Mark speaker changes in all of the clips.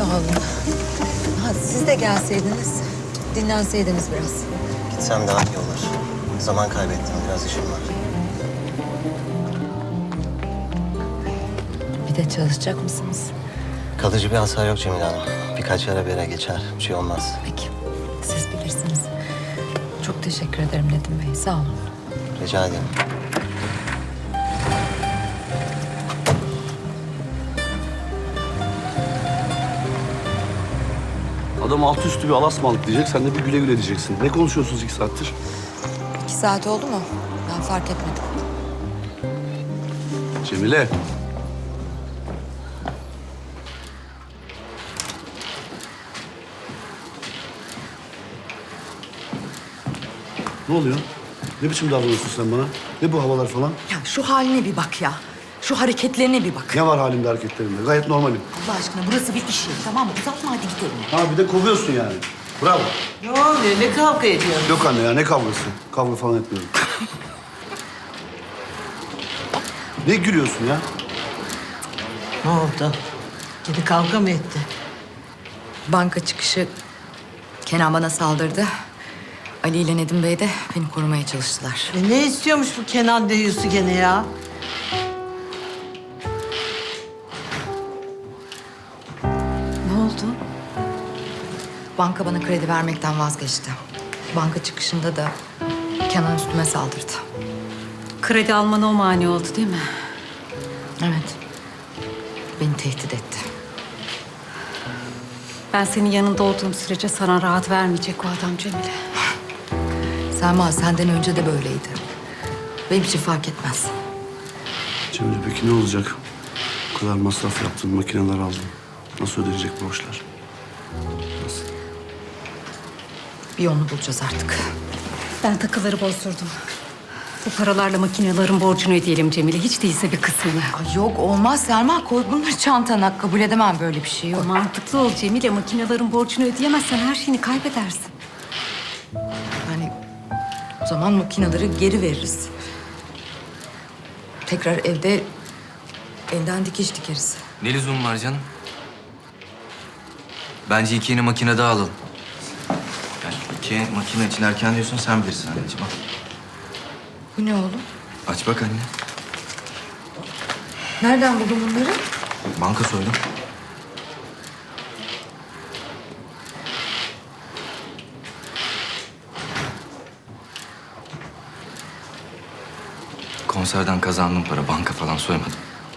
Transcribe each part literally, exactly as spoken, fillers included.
Speaker 1: olun. Ha, siz de gelseydiniz, dinlenseydiniz biraz.
Speaker 2: Gitsem daha iyi olur. Zaman kaybettim, biraz işim var.
Speaker 1: Bir de çalışacak mısınız?
Speaker 2: Kalıcı bir hasar yok Cemile Hanım. Birkaç ara bir yere geçer, bir şey olmaz.
Speaker 1: Peki, siz bilirsiniz. Çok teşekkür ederim Nedim Bey, sağ olun.
Speaker 2: Rica ederim.
Speaker 3: Adam altı üstü bir alasmalık diyecek, sen de bir güle güle diyeceksin. Ne konuşuyorsunuz iki saattir?
Speaker 1: İki saat oldu mu? Ben fark etmedim.
Speaker 3: Cemile. Ne oluyor? Ne biçim davranıyorsun sen bana? Ne bu havalar falan?
Speaker 4: Ya şu haline bir bak ya. Şu hareketlerine bir bak.
Speaker 3: Ne var halimde, hareketlerimde? Gayet normalim.
Speaker 4: Allah aşkına burası bir iş yeri, tamam mı? Uzatma, hadi gidelim.
Speaker 3: Ha bir de kovuyorsun yani. Bravo.
Speaker 5: Ne oluyor? Ne kavga ediyorsun?
Speaker 3: Yok anne ya, ne kavgası? Kavga falan etmiyorum. Ne gülüyorsun ya?
Speaker 5: Ne oldu? Kedi kavga mı etti?
Speaker 1: Banka çıkışı Kenan bana saldırdı. Ali ile Nedim Bey de beni korumaya çalıştılar.
Speaker 5: E ne istiyormuş bu Kenan deyyusu gene ya?
Speaker 1: Ne oldu? Banka bana kredi vermekten vazgeçti. Banka çıkışında da Kenan üstüme saldırdı.
Speaker 6: Kredi almana o mani oldu değil mi?
Speaker 1: Evet. Beni tehdit etti.
Speaker 6: Ben senin yanında olduğum sürece sana rahat vermeyecek o adam Cemile.
Speaker 1: Selma senden önce de böyleydi. Benim için fark etmez.
Speaker 3: Cemile peki ne olacak? O kadar masraf yaptın, makineler aldın. Nasıl ödenecek borçlar? Nasıl?
Speaker 1: Bir yolunu bulacağız artık.
Speaker 6: Ben takıları bozdurdum. Bu paralarla makinelerin borcunu ödeyelim Cemile. Hiç değilse bir kısmını.
Speaker 1: Ay yok olmaz Selma, koy bunları çantana. Kabul edemem böyle bir şey yok.
Speaker 6: Mantıklı ol Cemile. Makinelerin borcunu ödeyemezsen her şeyini kaybedersin.
Speaker 1: Yani o zaman makineleri geri veririz. Tekrar evde elden dikiş dikeriz.
Speaker 7: Ne lüzum var canım? Bence iki yeni makine daha alalım. Yani iki yeni makine için erken diyorsun, sen bilirsin anneciğim. Al.
Speaker 1: Bu ne oğlum?
Speaker 7: Aç bak anne.
Speaker 1: Nereden buldun bunları?
Speaker 7: Banka soydum. Konserden kazandığım para, banka falan soymadım.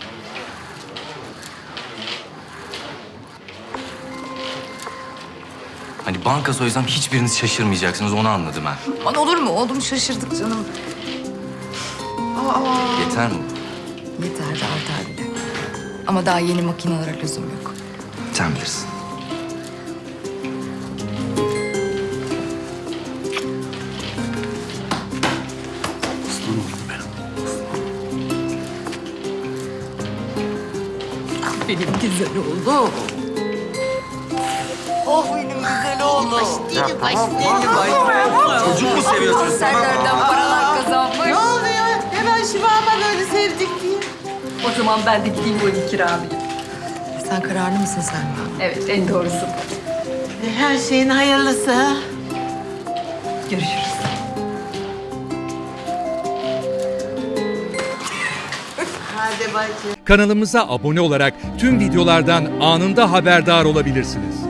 Speaker 7: Hani banka soysam hiçbiriniz şaşırmayacaksınız, onu anladım ben.
Speaker 1: Aman olur mu? Oğlum şaşırdık canım. Aa,
Speaker 7: Yeter mi?
Speaker 1: yeter de artar bile. Ama daha yeni makinelere lüzum yok.
Speaker 7: Sen bilirsin.
Speaker 3: Aslan oğlum benim.
Speaker 1: Benim güzel oğlum.
Speaker 5: Oh benim güzel oğlum.
Speaker 7: Çocuk mu seviyorsunuz?
Speaker 1: Konserlerden paralar kazanmış.
Speaker 5: Ne oluyor? Hemen şivama böyle sevdik diye.
Speaker 6: O zaman ben de gideyim o iki kiralayayım.
Speaker 1: Sen kararlı mısın Selma?
Speaker 6: Evet, en doğrusu.
Speaker 5: E, her şeyin hayırlısı. Ha?
Speaker 6: Görüşürüz.
Speaker 5: Hadi bacım.
Speaker 8: Kanalımıza abone olarak tüm videolardan anında haberdar olabilirsiniz.